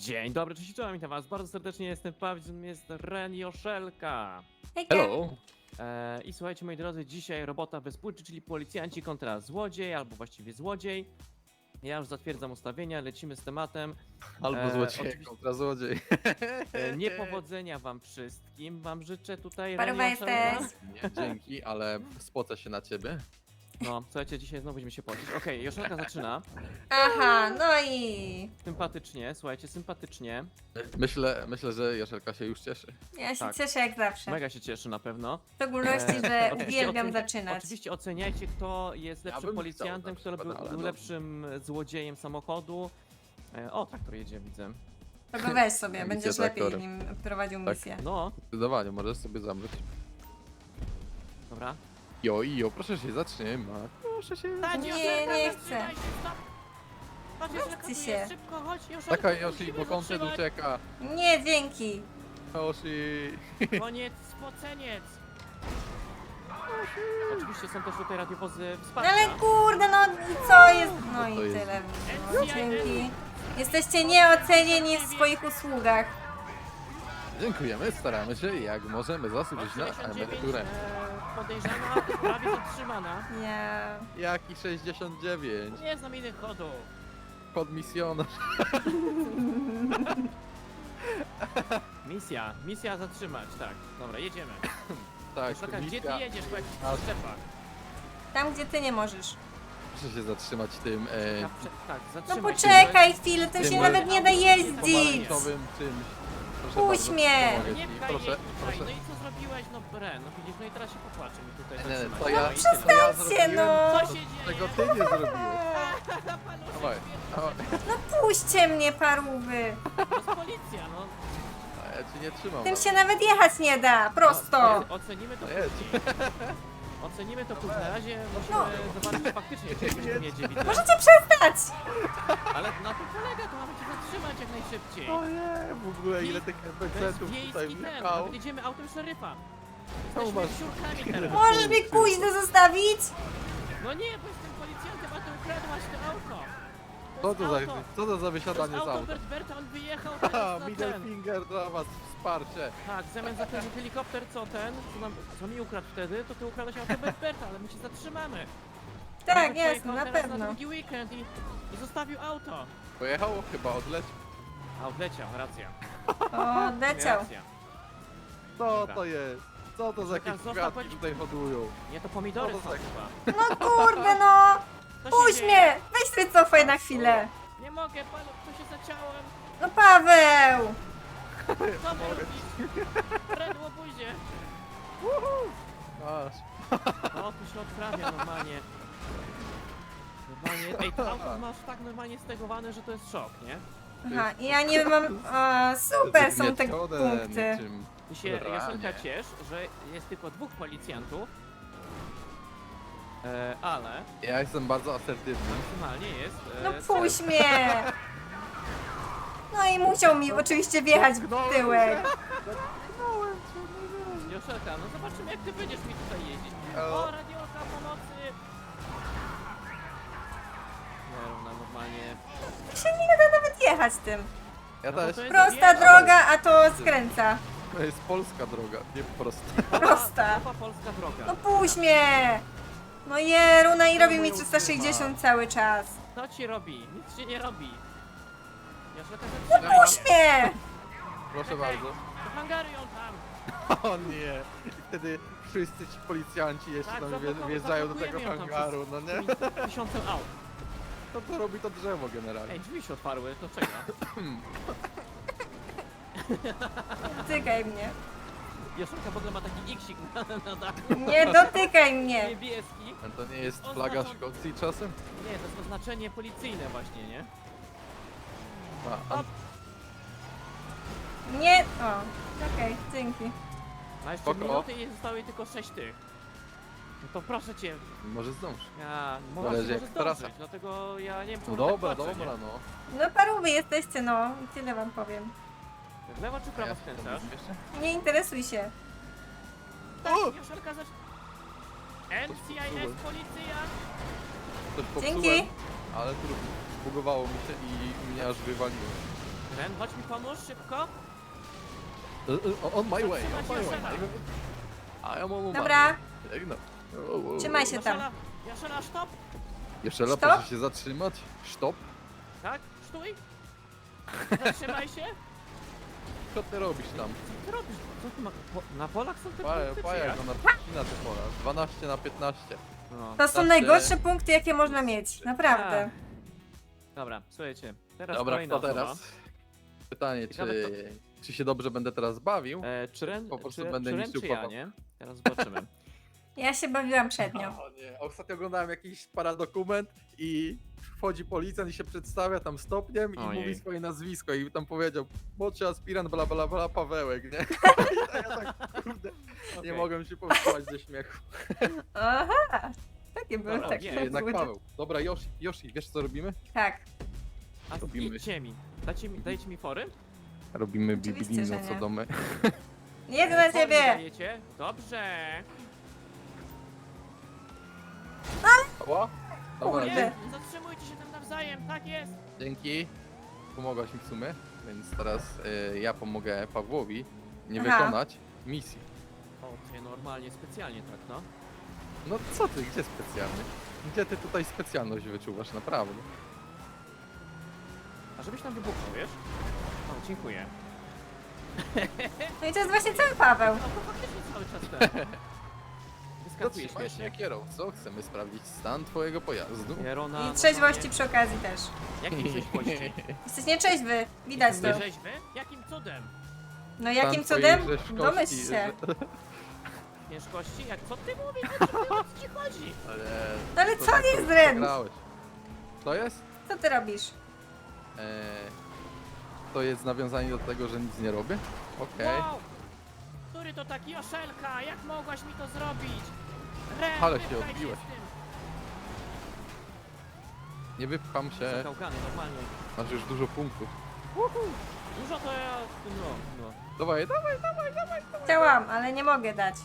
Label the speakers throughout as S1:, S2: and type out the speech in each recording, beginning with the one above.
S1: Dzień dobry, cześć, czołem, witam was bardzo serdecznie, jestem Paweł, jest Ren Joszelka.
S2: Hejka.
S3: Hello!
S1: I słuchajcie moi drodzy, dzisiaj robota wyspólczy, czyli policjanci kontra złodziej, albo właściwie złodziej. Ja już zatwierdzam ustawienia, lecimy z tematem.
S3: Albo złodziej
S1: oczywiście-
S3: kontra złodziej.
S1: Niepowodzenia wam wszystkim, wam życzę tutaj
S2: Paruwa
S1: Ren Joszelka.
S2: jesteś.
S3: Nie, dzięki, ale spocę się na ciebie.
S1: No, słuchajcie, dzisiaj znowu będziemy się pocić. Okej, Joszelka zaczyna.
S2: Aha, no i
S1: Sympatycznie, słuchajcie, sympatycznie.
S3: Myślę, że Joszelka się już cieszy.
S2: ja się
S1: Tak.
S2: cieszę jak zawsze.
S1: Mega się cieszy na pewno.
S2: W szczególności, że
S1: Oczywiście
S2: uwielbiam
S1: oceni-
S2: zaczynać.
S1: Oczywiście oceniajcie, kto jest
S3: Ja
S1: lepszym
S3: bym
S1: policjantem,
S3: chciał
S1: kto
S3: na przykład,
S1: był
S3: ale
S1: lepszym złodziejem samochodu. O, traktor jedzie, widzę.
S2: To go weź sobie,
S3: Misję
S2: będziesz lepiej
S3: traktorem.
S2: nim prowadził
S3: Tak.
S2: misję.
S1: No,
S3: Zdecydowanie, możesz sobie zamrzeć.
S1: dobra.
S3: Jo, proszę się zatrzymać. Proszę się.
S2: Nie, nie chcę. Chodźcie się.
S1: Szybko, chodź,
S3: Taka Yoshi, bo kątet ucieka.
S2: Nie, dzięki.
S3: Yoshi.
S1: Koniec, spoceniec. Oczywiście są też tutaj radiowozy
S2: No
S1: wsparcia.
S2: ale kurde, no i co jest? No i
S3: to jest?
S2: tyle. No, dzięki. Jesteście nieocenieni w swoich usługach.
S3: Dziękujemy, staramy się jak możemy zasłużyć na
S1: 69,
S3: emeryturę.
S1: podejrzana, prawie zatrzymana.
S2: Ja...
S3: Jaki 69?
S1: Nie znam innych chodów.
S3: Podmisjonarz.
S1: Misja zatrzymać, tak. Dobra, jedziemy.
S3: Tak,
S1: Szlaka, gdzie ty
S3: misja.
S1: jedziesz po jakichś
S3: A-
S1: przyczepach?
S2: Tam, gdzie ty nie możesz.
S3: Proszę się zatrzymać tym
S1: Tak,
S2: No
S1: zatrzymaj się.
S2: poczekaj chwilę, tym
S3: Tym
S2: się
S3: małym
S2: nawet nie da jeździć.
S3: pomarańczowym czymś. Proszę
S2: Puść
S3: bardzo,
S2: mnie.
S3: pomogę
S1: Nie
S3: ci.
S1: pchaj
S3: Proszę,
S1: mnie tutaj.
S3: proszę.
S1: No i co zrobiłeś? No Ren, no widzisz, no i teraz się popłaczę mi tutaj
S3: Nie,
S1: zatrzymać.
S3: to ja,
S1: No i
S3: przestańcie,
S2: Przestańcie, no.
S1: Co się dzieje?
S3: Tego ty nie zrobiłeś. Dawaj, dawaj.
S2: No puśćcie mnie, parówy.
S1: To jest policja, no.
S3: A ja ci nie trzymam.
S2: Tym się nawet jechać nie da, prosto.
S1: Ocenimy to
S3: No jedź.
S1: później. Ocenimy to później. Na razie musimy zobaczyć faktycznie, czy ktoś tam jedzie, widzę.
S2: Możecie przestać.
S1: Ale na tym polega, to mamy cię zatrzymać jak najszybciej.
S3: O nie, w ogóle ile tych
S1: To jest
S3: NPC-ów tutaj
S1: wiejski ten,
S3: wjechało.
S1: nawet jedziemy autem szeryfa.
S3: Czemu
S1: Jesteśmy
S3: masz-
S1: siurkami teraz.
S2: Możesz mnie kuźny zostawić?
S1: No nie, bo jestem policjantem, a ty ukradłaś to auto.
S3: Co to za
S1: To
S3: wysiadanie
S1: jest
S3: z
S1: auto
S3: auta?
S1: Berta, on wyjechał
S3: Haha,
S1: teraz na
S3: middle
S1: ten.
S3: finger dla was, wsparcie.
S1: Tak, zamiast za ten helikopter, co mi ukradł wtedy, to ty ukradłeś auto Berta, ale my cię zatrzymamy.
S2: Tak,
S1: On
S2: jasne,
S1: pojechał
S2: na
S1: teraz
S2: pewno.
S1: Na drugi weekend i zostawił auto.
S3: Pojechało chyba, odleciał.
S1: A odleciał, racja.
S2: O, leciał.
S1: Racja.
S3: Co
S1: Dobra.
S3: to jest? Co to za
S1: Czekaj,
S3: jakieś
S1: zostaw,
S3: kwiatki
S1: chodź.
S3: tutaj hodują?
S1: Nie, to pomidory
S3: No
S1: są
S3: to tak.
S1: chyba.
S2: No kurde, no.
S1: Co się
S2: Puść
S1: dzieje?
S2: mnie. Weź sobie cofaj na chwilę.
S1: Nie mogę, panu, co się zaciąłem?
S2: No Paweł.
S1: Co wy robisz? Redło buzie.
S3: Aż.
S1: No, tu się odprawia normalnie. Normalnie, ej, to auto masz tak normalnie stegowane, że to jest szok, nie?
S2: Aha, i ja nie mam... O, super są te
S3: Zgniecione
S2: punkty.
S3: niczym
S1: Ty się,
S3: ranie.
S1: Joszelka, ciesz, że jest tylko 2 policjantów. Ale
S3: Ja jestem bardzo asertywny.
S1: maksymalnie jest...
S2: No puść mnie. No i musiał mi oczywiście wjechać w tyłek.
S1: Joszelka, no zobaczymy jak ty będziesz mi tutaj jeździć.
S3: O.
S1: O, radiolka pomocy! Nie, równa normalnie...
S2: Się nie da nawet jechać tym.
S3: Ja
S1: No bo
S3: też.
S1: to jest
S2: Prosta
S1: wieża.
S2: droga, a to skręca.
S3: To jest polska droga, nie prosta.
S2: Prosta.
S1: Nowa polska droga.
S2: No puść mnie. No Jeruna i robi mi 360 cały czas.
S1: Co ci robi? Nic się nie robi. Joszelka,
S2: No
S1: zatrzymaj
S2: puść
S1: się.
S2: mnie.
S3: Proszę
S1: Czekaj.
S3: bardzo.
S1: Do hangaru ją tam.
S3: O nie! I wtedy wszyscy ci policjanci jeszcze
S1: Tak,
S3: tam
S1: zablokujemy
S3: wjeżdżają do tego
S1: ją tam
S3: hangaru, no nie?
S1: Tymi 1000 aut.
S3: To co robi to drzewo generalnie.
S1: Ej, drzwi się otwarły, to czeka.
S2: Dotykaj mnie.
S1: Joszelka w ogóle ma taki iksik na dachu.
S2: Nie dotykaj mnie.
S1: Niebieski.
S3: A to nie jest flaga Szkocji czasem?
S1: Nie, to jest oznaczenie policyjne właśnie, nie?
S3: A,
S2: Nie. O, okej, dzięki.
S1: A jeszcze
S3: Spoko.
S1: minuty i zostały tylko 6 tych. No to proszę cię,
S3: może zdąż.
S1: ja
S3: Zależy
S1: może
S3: jak
S1: zdążyć,
S3: trasa.
S1: dlatego ja nie wiem,
S3: No
S1: czemu
S3: dobra,
S1: tak patrzę,
S3: dobra,
S1: nie?
S3: no.
S2: No parówy jesteście, no. I tyle wam powiem.
S1: W lewo czy w prawo
S3: Ja
S1: skręcasz?
S2: Nie interesuj się.
S1: Tak,
S3: O!
S1: Joszelka zacz... NCIS, policja!
S3: Coś
S2: Dzięki.
S3: popsułem, ale tu zbugowało mi się i mnie aż wywaliło.
S1: Ren, chodź mi pomóż, szybko.
S3: On my way,
S1: Zatrzymać
S3: on my
S1: Jaszera.
S3: way. A ja mam
S2: Dobra,
S3: Biegnę.
S2: trzymaj się tam.
S1: Jaszela, stop.
S3: Jeszcze raz
S2: Stop.
S3: proszę się zatrzymać. Stop.
S1: Tak, stój. Zatrzymaj się.
S3: Co ty robisz tam?
S1: Co ty robisz? Co ty na polach są te punkty, czy
S3: Paja
S1: jak?
S3: go na te pola. 12 na 15.
S1: No.
S2: To są
S3: Znaczy-
S2: najgorsze punkty, jakie można mieć. Naprawdę.
S1: Dobra, słuchajcie. Teraz
S3: Dobra,
S1: kolejna
S3: kto teraz?
S1: osoba.
S3: Pytanie,
S1: Ciekawe,
S3: czy się dobrze będę teraz bawił?
S1: Czy Ren,
S3: Po prostu
S1: czy,
S3: będę
S1: czy Ren,
S3: niszczył
S1: czy ja,
S3: papa.
S1: nie? Teraz zobaczymy.
S2: Ja się bawiłam przednio.
S3: O nie, ostatnio oglądałem jakiś paradokument i wchodzi policjant i się przedstawia tam stopniem i
S1: Ojej.
S3: mówi swoje nazwisko i tam powiedział młodszy aspirant bla bla bla Pawełek, nie? A ja tak, kurde, nie
S1: Okej.
S3: mogłem się powstrzymać ze śmiechu.
S2: Aha, takie były
S1: Dobra,
S2: takie.
S1: nie,
S3: Jednak
S2: były-
S3: Paweł. Dobra, Yoshi, wiesz co robimy?
S2: Tak.
S1: A
S3: Robimy.
S1: idźcie mi. Dajcie mi fory?
S3: Robimy
S2: Oczywiście,
S3: biblijną
S2: że nie.
S3: co domy.
S2: Jedę na
S1: Fory mi
S2: ciebie!
S1: dajecie? Dobrze.
S3: Ła? Dobra,
S2: Kurde.
S1: Nie, zatrzymujcie się tam nawzajem, tak jest.
S3: dzięki. Pomogłaś mi w sumie, więc teraz ja pomogę Pawłowi nie
S2: Aha.
S3: wykonać misji.
S1: O, ty normalnie, specjalnie tak, no.
S3: No co ty, gdzie specjalny? Gdzie ty tutaj specjalność wyczuwasz, naprawdę?
S1: A żebyś tam wybuchnął, wiesz? O, dziękuję.
S2: No i to jest właśnie cały Paweł.
S1: No to faktycznie cały czas ten. Wyskakuje
S3: Zatrzymaj się
S1: śmiesznie.
S3: kierowco, chcemy sprawdzić stan twojego pojazdu.
S1: Jerona,
S2: I trzeźwości przy okazji też.
S1: Jakim trzeźwości?
S2: Jesteś nieczeźwy, widać to.
S1: Jesteś trzeźwy? Jakim cudem?
S2: No jakim
S3: Stan
S2: cudem?
S3: twojej rzeźkości,
S2: Domyśl się.
S1: Ciężkości? Jak co ty mówisz? O co ci chodzi?
S3: Ale,
S2: No ale
S3: to
S2: co
S3: tak
S2: jest Ren?
S3: przegrałeś. To jest?
S2: Co ty robisz?
S3: To jest nawiązanie do tego, że nic nie robię? Okej.
S1: Wow! Który to taki Joszelka? Jak mogłaś mi to zrobić? Ren,
S3: Ale się
S1: wypchaj
S3: odbiłeś.
S1: z tym.
S3: Nie wypcham się,
S1: Zakałkany, normalnie.
S3: masz już dużo punktów.
S1: Dużo to ja... No.
S3: Dawaj, dawaj.
S2: Chciałam, ale nie mogę dać.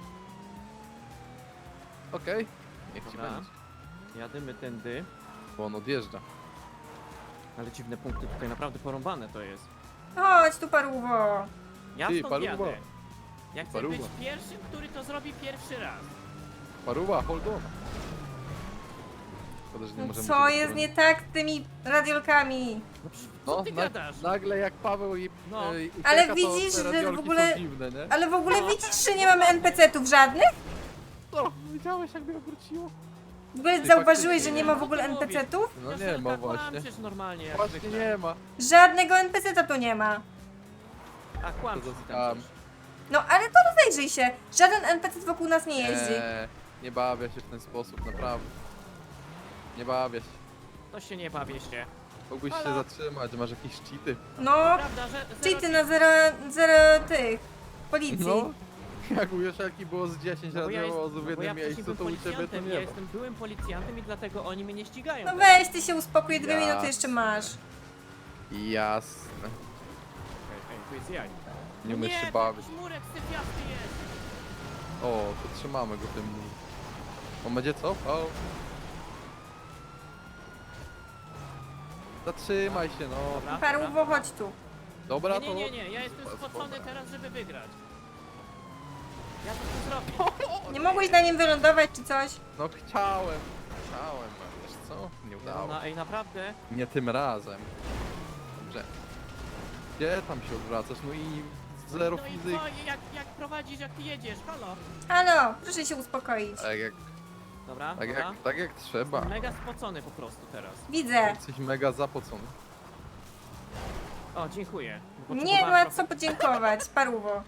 S3: Okej. Niech ci
S1: Dobra.
S3: będzie.
S1: Jadymy tędy.
S3: Bo on odjeżdża.
S1: Ale dziwne punkty tutaj, naprawdę porąbane to jest.
S2: Chodź tu parłowo.
S1: Ja
S3: Ty,
S1: stąd
S3: paruwa.
S1: jadę. Ja chcę
S3: Paruwa.
S1: być pierwszym, który to zrobi pierwszy raz.
S3: Paruwa, hold on. Szkoda, że nie
S2: No
S3: możemy
S2: co
S3: tego
S2: jest
S3: zrobić.
S2: nie tak z tymi radiolkami?
S1: No przecież, co ty gadasz?
S3: Nagle jak Paweł i
S1: No.
S3: ucieka,
S2: Ale
S3: to
S2: widzisz,
S3: te
S2: że w
S3: radiolki
S2: ogóle-
S3: są dziwne, nie?
S2: Ale w ogóle widzisz, że nie mamy NPC-tów żadnych?
S3: No, widziałeś jak mnie obróciło?
S2: W ogóle
S3: Ty
S2: zauważyłeś,
S3: faktycznie
S2: że nie
S3: nie.
S2: ma w
S1: Co ty
S2: ogóle
S1: mówisz?
S2: NPC-ów?
S3: No nie
S1: Joszelka,
S3: ma właśnie.
S1: kłamczysz normalnie jak
S3: Właśnie
S1: zwykle.
S3: nie ma.
S2: Żadnego NPC-ta tu nie ma.
S1: A kłamczysz
S3: To
S1: mi
S3: za
S1: tam
S3: skam.
S1: coś.
S2: No ale to rozejrzyj się. Żaden NPC wokół nas nie jeździ.
S3: Nie bawię się w ten sposób, naprawdę. Nie bawię się.
S1: To się nie bawię się.
S3: Mógłbyś się
S1: Halo?
S3: zatrzymać, masz jakieś cheaty.
S2: No,
S1: Prawda, że...
S2: cheaty na zero tych policji.
S3: No, jak u Joszelki było z 10
S1: No bo ja
S3: radiowozów w
S1: no bo
S3: jednym
S1: ja wcześniej
S3: miejscu, to
S1: byłem
S3: u ciebie to
S1: policjantem,
S3: nie
S1: ja
S3: ma.
S1: jestem byłym policjantem i dlatego oni mnie nie ścigają.
S2: No
S1: teraz.
S2: weź, ty się uspokój, 2 minuty jeszcze masz.
S3: Jasne.
S1: Hej, tu jest jaj.
S3: Nie umiesz
S1: nie,
S3: się
S1: to
S3: bawić.
S1: jakiś murek sypiasty jest.
S3: O, to trzymamy go tym. On będzie co? O. Zatrzymaj się, no.
S1: Dobra,
S2: Parłowo, chodź tu.
S3: Dobra,
S1: Nie,
S3: to...
S1: nie, nie, nie, ja jestem
S3: Spoko.
S1: spocony teraz, żeby wygrać. Ja to chcę zrobić.
S2: Nie mogłeś na nim wylądować czy coś?
S3: No chciałem, a wiesz co? Nie udało.
S1: No, ej, naprawdę?
S3: Nie tym razem. Dobrze. Gdzie tam się odwracasz? No i zero
S1: No i
S3: fizyki.
S1: co, jak prowadzisz, jak ty jedziesz, halo?
S2: Halo, proszę się uspokoić.
S1: Dobra,
S3: Tak
S1: dobra.
S3: jak, tak jak trzeba.
S1: Mega spocony po prostu teraz.
S2: Widzę.
S3: Jesteś mega zapocony.
S1: O, dziękuję.
S2: Nie
S1: Potrzebowałem
S2: ma
S1: trochę-
S2: co podziękować, parłowo.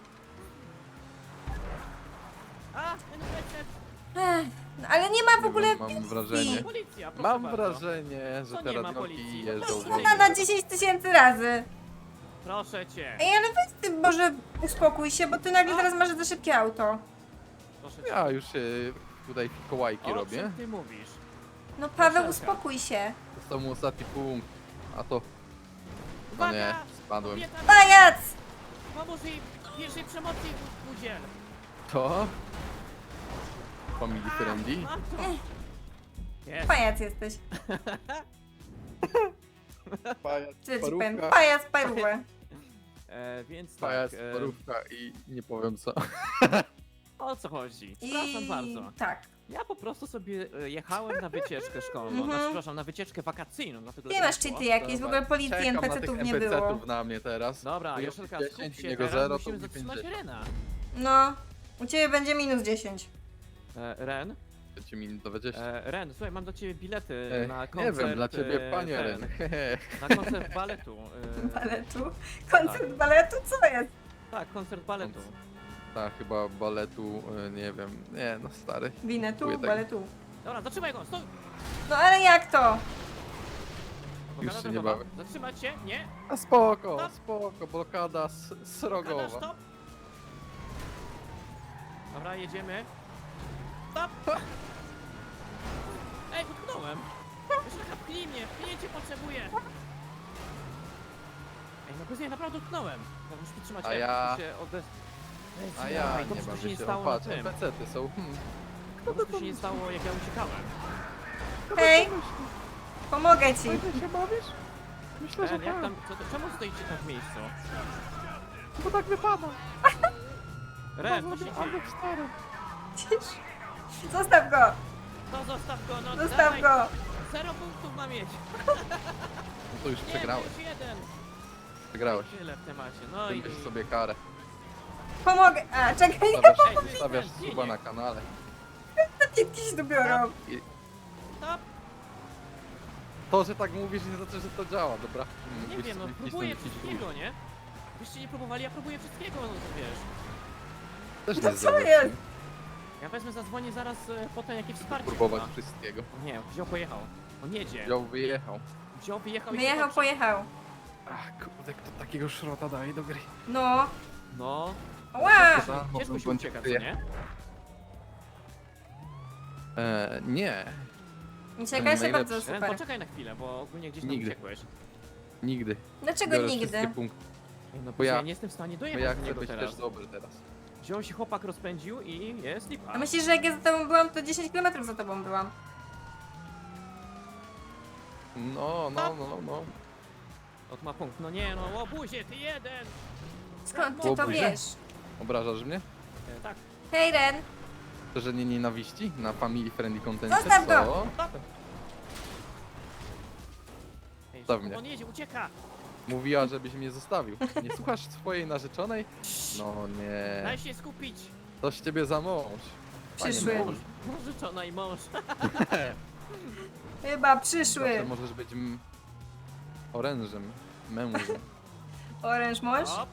S1: A, NPC,
S2: No, ale nie ma w ogóle
S3: Mam wrażenie.
S1: policja, proszę
S3: Mam
S1: bardzo.
S3: wrażenie, że
S1: To
S3: te
S1: nie ma
S3: radiolki
S1: policji.
S3: jeżdżą
S1: No,
S2: no, na 10 000 razy.
S1: Proszę cię.
S2: Ej, ale weź ty może uspokój się, bo ty nagle zaraz masz za szybkie auto.
S1: Proszę cię.
S3: Ja już tutaj kołajki
S1: O
S3: robię.
S1: czym ty mówisz?
S2: No Paweł,
S1: Joszelka.
S2: uspokój się.
S3: To mu ostatni punkt. A to... No
S1: Uwaga!
S3: nie, spadłem.
S1: Kobieta,
S2: Pajac!
S1: pomóż jej pierwszej pomocy udziel.
S3: To? Family friendly?
S1: Mam to. Jest.
S2: Pajac jesteś.
S3: Pajac,
S2: Co ja ci powiem?
S3: parówka,
S2: Pajac, parówę.
S1: Więc tak,
S3: pajac, parówka i nie powiem co.
S1: o co chodzi? Przepraszam bardzo.
S2: Tak.
S1: Ja po prostu sobie jechałem na wycieczkę szkolną,
S2: Mhm.
S1: znaczy, przepraszam, na wycieczkę wakacyjną, dlatego
S2: Nie
S1: tak
S2: masz
S1: było.
S2: cheaty jakieś, w ogóle policji
S3: Czekam na tych
S2: NPC-tów nie było.
S3: NPC-ów na mnie teraz.
S1: Dobra,
S3: Tu
S1: Joszelka,
S3: jest
S1: skup
S3: 10,
S1: się,
S3: niego
S1: teraz
S3: 0, to
S1: musimy
S3: mówi
S1: zatrzymać
S3: 50.
S1: Rena.
S2: No, u ciebie będzie minus 10.
S1: Ren,
S3: Będzie mi 20.
S1: Ren, słuchaj, mam do ciebie bilety na
S3: Nie
S1: koncert.
S3: wiem, dla ciebie panie
S1: ten,
S3: Ren.
S1: Na koncert baletu.
S2: Baletu? Koncert baletu? Co jest?
S1: Tak, koncert baletu.
S3: Tak, chyba baletu, nie wiem. Nie, no stary.
S2: Winetu?
S3: Kupuję tak.
S2: Baletu.
S1: Dobra, zatrzymaj go, stój!
S2: No ale jak to?
S1: Blokada
S3: się nie
S1: drogowa.
S3: bawię.
S1: Zatrzymać się, nie?
S3: A spoko,
S1: Stop.
S3: spoko, blokada
S1: Blokada,
S3: srogowa.
S1: stop! Dobra, jedziemy. Stop! Ej, utknąłem! Joszelka, pchnij mnie, pchnięcie potrzebuję! Ej, no bez niej naprawdę utknąłem. No, muszę przytrzymać
S3: A
S1: F,
S3: ja-
S1: muszę się odez...
S3: A ja
S1: Ej,
S3: nie
S1: dobrze, to się
S3: bawię
S1: nie
S3: się.
S1: stało
S3: O,
S1: na
S3: patrz,
S1: tym.
S3: NPC-ty są.
S1: Dobrze, to się nie stało, jak ja uciekałem.
S2: Hej, pomogę ci.
S3: się bawisz? Myślę,
S1: Ren, jak tam, czemu stoicie tam w miejscu?
S3: Bo tak wypada.
S1: Ren, co się dzieje?
S2: Cisz. Zostaw go,
S1: No zostaw go, no
S2: zostaw
S1: dawaj.
S2: go.
S1: 0 punktów ma mieć.
S3: No to już
S1: Nie,
S3: przegrałeś.
S1: już jeden.
S3: Przegrałeś.
S1: Tyle w temacie, no i...
S3: Wybierz sobie karę.
S2: Pomogę. A, czekaj,
S3: Stawiasz
S1: nie,
S3: suba
S1: nie.
S3: na kanale.
S2: jakiś dobiorą.
S3: I
S1: Stop!
S3: to, że tak mówisz, nie znaczy, że to działa, dobra?
S1: Nie
S3: Byś
S1: wiem, no
S3: sobie
S1: próbuję
S3: wcisnął jakiś
S1: wszystkiego, nie? Byście nie próbowali, ja próbuję wszystkiego, no to wiesz.
S3: Też
S2: No
S3: nie
S2: co
S3: zrobisz,
S2: jest?
S3: nie?
S1: Ja wezmę, zadzwonię zaraz potem jakie wsparcie.
S3: Próbować
S1: chyba.
S3: wszystkiego.
S1: Nie, wziął, pojechał. On jedzie.
S3: Wziął, wyjechał.
S1: Wziął, wyjechał i
S2: Wyjechał,
S1: się
S2: pojechał.
S3: Ach, kurde, kto takiego szrota daje do gry?
S2: No.
S1: No,
S2: Ła!
S1: ciężko się
S3: bądź
S1: ucieka, co
S3: kryje.
S1: nie?
S3: Nie,
S2: Ucieka się
S3: najlepszy.
S2: bardzo
S1: Ren,
S2: super.
S1: poczekaj na chwilę, bo ogólnie gdzieś tam
S3: Nigdy.
S1: uciekłeś.
S3: nigdy.
S2: Dlaczego
S3: Biorę
S2: nigdy?
S3: wszystkie punkty,
S1: No
S3: Bo ja-
S1: ja nie jestem w stanie
S3: bo
S1: dojechać
S3: ja
S1: do
S3: chcę
S1: niego
S3: być
S1: teraz.
S3: też dobry teraz.
S1: Wziął się chłopak, rozpędził i jest lipa.
S2: A myślisz, że jak ja za tobą byłam, to 10 km za tobą byłam?
S3: No.
S1: Ot ma punkt. No nie, no łobuzie, ty jeden!
S2: Skąd ty to
S3: Łobuzie?
S2: wiesz?
S3: Obrażasz mnie?
S1: Tak.
S2: Hej Ren,
S3: Że nie nienawiści? Na family friendly content?
S2: Zostaw go!
S3: Co?
S1: Ej,
S3: Zostaw
S1: szybko,
S3: mnie.
S1: on jedzie, ucieka!
S3: Mówiła, żebyś mnie zostawił. Nie słuchasz swojej narzeczonej? No nie.
S1: Daj się skupić!
S3: To z ciebie za mąż. Panie
S2: Przyszły.
S3: mąż.
S1: Narzeczona i mąż.
S2: chyba
S3: Zawsze
S2: przyszły.
S3: możesz być orężem, mężem.
S2: Oręż mąż?
S1: Hop.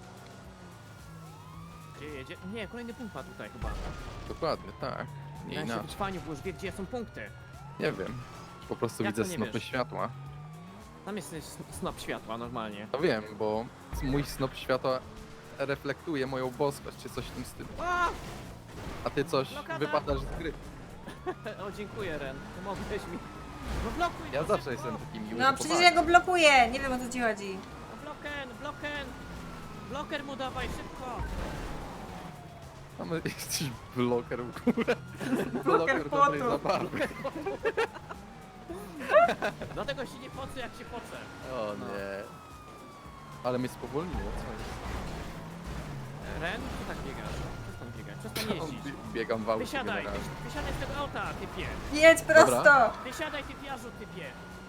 S1: Gdzie jedzie? Nie, kolejny punkt ma tutaj chyba.
S3: Dokładnie, tak. Nie
S1: Ja się
S3: inaczej.
S1: wytrwaniu, bo już wie, gdzie są punkty.
S3: Nie wiem. Po prostu
S1: Jak
S3: widzę
S1: to nie
S3: snopy
S1: wiesz?
S3: światła.
S1: Tam jest snop światła normalnie.
S3: No wiem, bo mój snop światła reflektuje moją boskość, czy coś w tym stylu.
S1: A!
S3: A ty coś
S1: Blokada.
S3: wypadasz z gry.
S1: O, dziękuję Ren, pomogłeś mi. No blokuj
S3: Ja
S1: go,
S3: zawsze
S1: szybko.
S3: jestem taki miły.
S2: No
S3: że
S2: przecież
S3: pomaga.
S2: ja go blokuję, nie wiem o co ci chodzi.
S1: No bloken! Bloker mu dawaj, szybko!
S3: Mamy jakiś bloker w górę.
S2: Bloker
S3: dobrej
S2: potu.
S3: zabawy.
S1: Dlatego się nie pocę, jak się pocę.
S3: O
S1: No.
S3: nie. Ale mnie spowolniło, co jest?
S1: Ren, co tak biegasz? Przestań biegać, przestań jeździć.
S3: Biegam w aucie
S1: Wysiadaj,
S3: generalnie.
S1: wysiadaj z tego auta, typie.
S2: Jedź prosto.
S1: Wysiadaj, typiarzu, typie.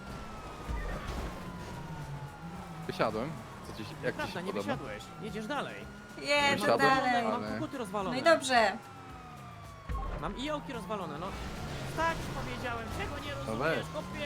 S3: Wysiadłem. Co ci, jak ci
S1: Prawda,
S3: się
S1: nie
S3: podoba?
S1: wysiadłeś. Jedziesz dalej.
S2: Jedź
S3: Wysiadłem,
S2: dalej.
S1: Mam
S3: ale-
S1: koguty rozwalone.
S2: No i dobrze.
S1: Mam iołki rozwalone, no. Tak powiedziałem, czego nie
S3: No
S1: rozumiesz,
S3: weź.
S1: kopie.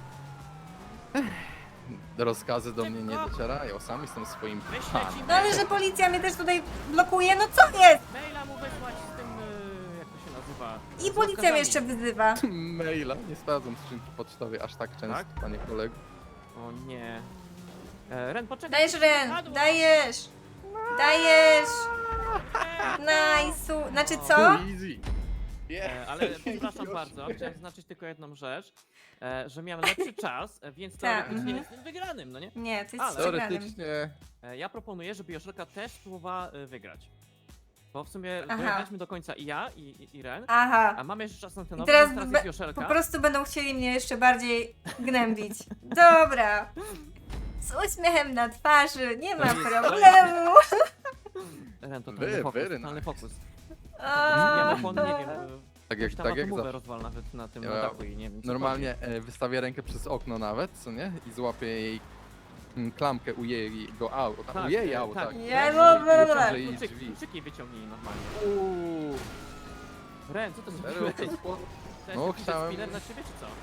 S3: Rozkazy do mnie nie
S1: Szybko.
S3: docierają, sam jestem swoim
S1: Wyślę
S3: panem.
S1: ci
S2: No ale że policja mnie też tutaj blokuje, no co jest?
S1: maila mu wysłać z tym, jak to się nazywa?
S2: I
S1: Z
S2: policja
S1: rozkazami.
S2: mnie jeszcze wyzywa.
S3: Maila, nie sprawdzam skrzynki pocztowej aż tak często,
S1: Tak?
S3: panie kolego.
S1: O nie. Ren, poczekaj.
S2: Dajesz Ren,
S1: Padło.
S2: dajesz. Dajesz.
S1: Ren.
S2: Nice. Znaczy co?
S3: Easy.
S1: Ale przepraszam bardzo, chciałem zaznaczyć tylko jedną rzecz, że miałem lepszy czas, więc
S2: Tak,
S1: teoretycznie
S2: mhm.
S1: jestem wygranym, no nie?
S2: Nie, ty
S1: Ale-
S2: jesteś przegranym.
S3: Teoretycznie
S1: Ja proponuję, żeby Joszelka też próbowała wygrać. Bo w sumie
S2: Aha.
S1: dojechaliśmy do końca i ja, i Ren,
S2: Aha.
S1: a mamy jeszcze czas na ten
S2: I
S1: nowy,
S2: teraz
S1: więc teraz
S2: be-
S1: jest Joszelka.
S2: po prostu będą chcieli mnie jeszcze bardziej gnębić. Dobra. Z uśmiechem na twarzy, nie ma problemu.
S1: Ren, to
S3: Very, very
S1: totalny fokus.
S2: O,
S1: Ja na nie wiem,
S3: Tak jak,
S1: tam
S3: tak jak
S1: atomówę
S3: zawsze.
S1: rozwal nawet na tym
S3: Ja
S1: dachu i nie wiem co
S3: Normalnie wystawię rękę przez okno nawet, co nie? I złapię jej klamkę u jego auta.
S1: Tak,
S3: U jej
S1: tak.
S3: auta. Tak.
S2: Ja
S3: I
S2: mówię,
S3: otworzę
S1: chodzi.
S3: jej
S1: Kluczyki,
S3: drzwi.
S1: kluczyki wyciągnij normalnie.
S3: Uuu,
S1: Ren, co to
S3: serio,
S1: zrobiłeś?
S3: to spło-
S1: Chciałeś
S3: No,
S1: jakiś
S3: chciałem-
S1: spinner na ciebie, czy co?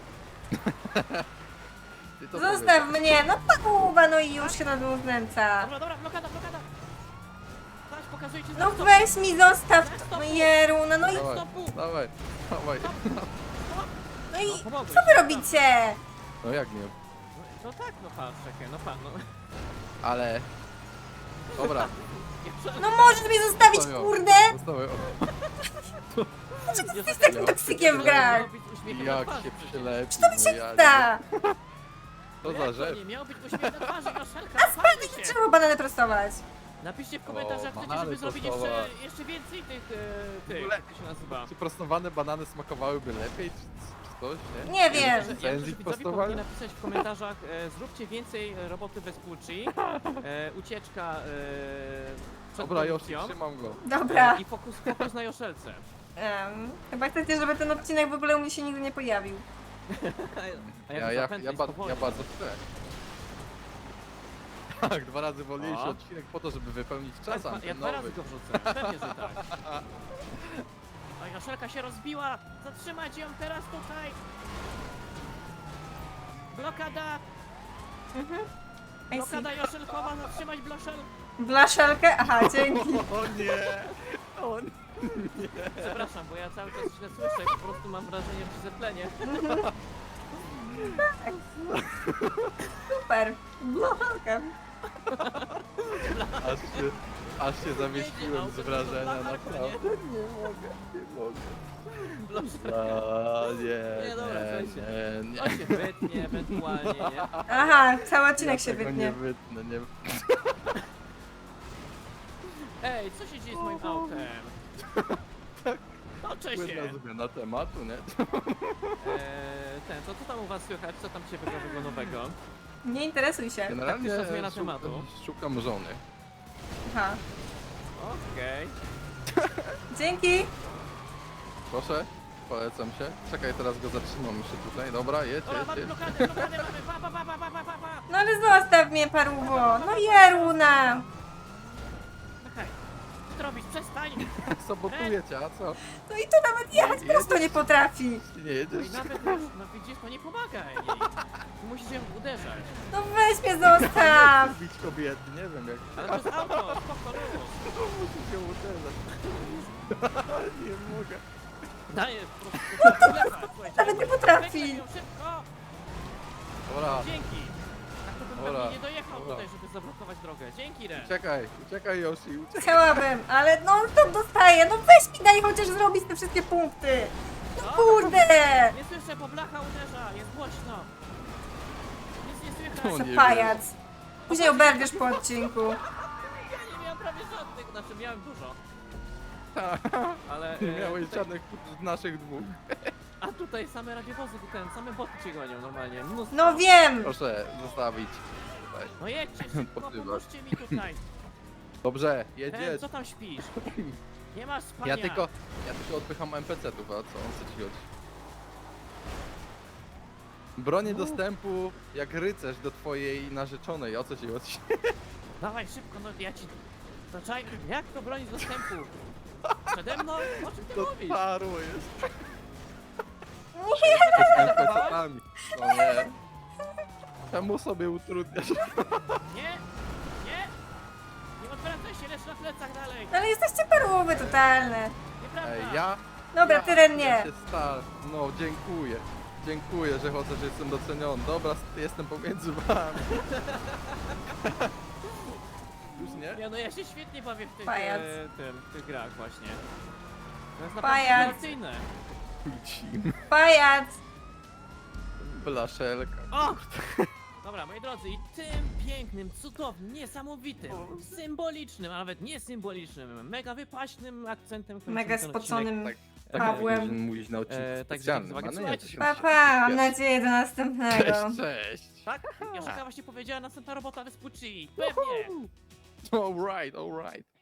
S3: Ty to
S2: Zostaw
S3: powiedz.
S2: mnie, no pakuwa, no i już się na dół znęca.
S1: Dobra, dobra, blokada, blokada! Patrz, pokazuję ci
S2: No
S1: stop.
S2: weź mi, zostaw, no Jeruna, no i,
S3: Dawaj,
S1: stopu.
S3: dawaj, dawaj.
S2: no
S1: No,
S2: i
S1: pomogłeś.
S2: co wy robicie?
S3: No jak nie?
S1: No tak, no patrz, czekaj, no pan, no.
S3: Ale... Dobra,
S2: No możesz mnie zostawić,
S3: Zostawiam.
S2: kurde?
S3: zostawię.
S1: Jesteś
S2: takim toksykiem w grach.
S3: Jak się przylepi,
S2: To mi się da.
S3: To za rzecz.
S1: Nie miał być uśmiech na twarzy, Joszelka,
S2: A spadnie,
S1: się.
S2: nie trzeba banany prostować.
S1: Napiszcie w komentarzach, jak chcecie,
S3: banany
S1: żeby zrobić
S3: prostować.
S1: jeszcze więcej tych,
S3: W ogóle-
S1: jak to się nazywa?
S3: Czy prostowane banany smakowałyby lepiej, czy coś, nie?
S2: Nie wiem.
S1: Ja
S3: Sens
S1: myślę, że
S3: ich
S1: widzowie
S3: prostowania?
S1: powinni napisać w komentarzach, zróbcie więcej roboty bez płci, ucieczka przed
S3: Dobra, już
S1: produkcją
S3: trzymam go.
S2: Dobra.
S1: i fokus na Joszelce.
S2: Chyba chcecie, żeby ten odcinek w ogóle u mnie się nigdy nie pojawił.
S1: A
S3: Ja,
S1: jak
S3: ja,
S1: zapętlę
S3: ja,
S1: i
S3: ba,
S1: spowolnię.
S3: ja bardzo chcę. Tak, 2 razy wolniejszy
S1: O.
S3: odcinek po to, żeby wypełnić czas
S1: Ja 2 razy
S3: antenowy.
S1: go wrzucę, pewnie, że tak. A Joszelka się rozbiła! Zatrzymać ją teraz tutaj! Blokada!
S2: I see.
S1: Blokada Joszelkowa, zatrzymać bloszel!
S2: Blaszelkę? Aha, dzięki.
S3: O nie! O nie!
S1: Przepraszam, bo ja cały czas źle słyszę i po prostu mam wrażenie, że się zeplenię.
S2: Super. Blaszelka.
S3: Aż się zawiesiłem z wrażenia, naprawdę. Nie mogę, nie mogę.
S1: Bloszel.
S3: A,
S1: Nie,
S3: nie,
S1: dobra,
S3: nie,
S1: On się wytnie ewentualnie, nie?
S2: Aha, cały odcinek
S3: Ja
S2: się
S3: tego
S2: wytnie.
S3: nie wytnę, nie.
S1: Ej, co się dzieje z moim autem? Toczę się!
S3: Płynna zmiana tematu, nie?
S1: To co tam u was słychać? Co tam ciekawego nowego?
S2: Nie interesuj się.
S3: Generalnie
S1: Taktyczna zmiana tematu.
S3: szukam żony.
S2: Aha.
S1: Okej.
S2: Dzięki.
S3: Proszę, polecam się. Czekaj, teraz go zatrzymam jeszcze tutaj. Dobra, jedź,
S1: Dobra, mamy
S3: jedź.
S1: blokadę mamy! Pa!
S2: No ale zostaw mnie, paruwo. No Jeruna.
S1: Czekaj. Co ty robisz? Przestań!
S3: Sabotuję cię, a co?
S2: No i to nawet jechać prosto nie potrafi.
S3: Ty nie
S1: No
S3: jedziesz?
S1: i nawet już, no widzisz, to nie pomaga jej. Ty musisz ją uderzać.
S2: No weź mnie zostaw.
S3: Bić kobiety, nie wiem jak.
S1: Ale to jest auto, spoko, luz.
S3: Musisz ją uderzać. Nie mogę.
S1: Dajesz po prostu.
S2: Nawet nie potrafi.
S1: Weź ją szybko!
S3: Dobra,
S1: Dzięki! Tak to bym
S3: Dobra,
S1: pewnie nie dojechał
S3: dobra.
S1: tutaj, żeby zablokować drogę. Dzięki, Ren.
S3: uciekaj Yoshi, uciekaj.
S2: Chciałabym, ale no to dostaję. No weź mi daj chociaż zrobić te wszystkie punkty. No kurde.
S1: Nie słyszę, bo blacha uderza, jest głośno. Nic nie
S3: O
S1: słychać.
S3: nie.
S2: Pajac. Później oberwiesz po odcinku.
S1: Ja nie miałem prawie żadnych, znaczy miałem dużo. Ale...
S3: Nie miałeś
S1: tutaj,
S3: żadnych z naszych dwóch.
S1: a tutaj same radiowozy, same boty cię gonią normalnie. Mnóstwo.
S2: No wiem.
S3: Proszę zostawić. Tutaj.
S1: No jedźcie szybko,
S3: Podrywasz.
S1: pomóżcie mi tutaj.
S3: Dobrze,
S1: Ren,
S3: jedziesz.
S1: co tam śpisz? Nie masz spania.
S3: Ja tylko odpycham NPC-ów, a co ci chodzi? Bronię dostępu jak rycerz do twojej narzeczonej, o co ci chodzi?
S1: Dawaj szybko, no ja ci... Zaczaj, jak to bronić dostępu? Przede mną? O czym ty
S3: To
S1: mówisz?
S3: paru jest.
S2: Nie.
S3: Z NPC-ami. No nie. Czemu sobie utrudniasz?
S1: Nie? Nie? Nie odwracaj się, lecz na plecach dalej.
S2: No ale jesteście paruwy totalne.
S1: Nieprawda.
S3: Ej, ja?
S2: Dobra, ty Ren
S3: Ja
S2: nie.
S3: się no dziękuję. Dziękuję, że chociaż jestem doceniony. Dobra, jestem pomiędzy wami. Już nie?
S1: Ja, no ja się świetnie bawię w tych,
S2: Pajac.
S1: w tych grach właśnie. To jest
S2: Pajac.
S1: naprawdę rewelacyjne.
S3: Cim.
S2: Pajac.
S3: Blaszelka.
S1: O! Dobra, moi drodzy, i tym pięknym, cudownym, niesamowitym, symbolicznym, a nawet niesymbolicznym, mega wypaśnym akcentem kończymy
S2: Mega
S1: ten odcinek.
S2: spoconym.
S3: Tak. Tak,
S2: Pawłem.
S3: jak mówić na odcinku
S1: Także
S3: specjalnym.
S1: dzięki za uwagę.
S3: a nie
S1: Słuchajcie,
S3: jakiś
S2: Pa,
S3: tam
S2: pa, mam
S3: wiesz.
S2: nadzieję do następnego.
S3: Cześć, cześć.
S1: Tak? Joszelka właśnie powiedziała, następna robota Vespucci. Pewnie.
S3: Alright, alright.